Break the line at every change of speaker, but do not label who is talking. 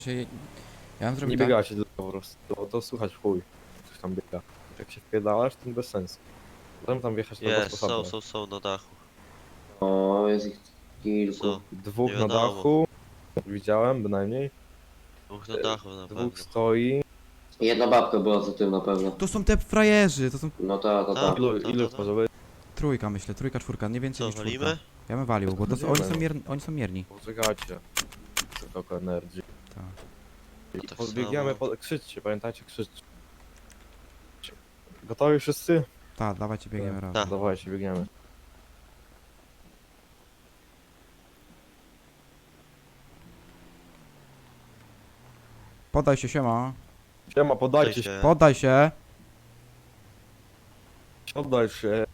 Czy ja bym zrobił
Nie
tak?
biegacie tylko po prostu, to słuchać w chuj. Coś tam biega. Jak się wpierdalasz, to bez sensu. Potem tam wjechać na dwa
Jest,
sposoby.
są na dachu.
O, jest ich kilku.
Co?
Dwóch
Nie
na
wiadomo.
dachu. Widziałem bynajmniej.
Dwóch na dachu na pewno.
Dwóch stoi.
Jedna babka była za tym na pewno.
To są te frajerzy, to są
No ta.
Tak.
Ilu może być?
trójka myślę, trójka, czwórka, nie więcej
Co,
niż czwórka.
walimy?
Ja bym walił, bo to są, oni są mierni.
Poczekajcie. Tylko energii.
Tak.
Tak
Podbiegniemy,
samo.
krzyczcie, pamiętajcie, krzyczcie. Gotowi wszyscy?
Tak, dawajcie, biegniemy razem.
Tak.
Dawajcie, biegniemy.
Poddaj się, siema.
Siema, podajcie
Cześć,
się.
Poddaj się.
Oddaj się.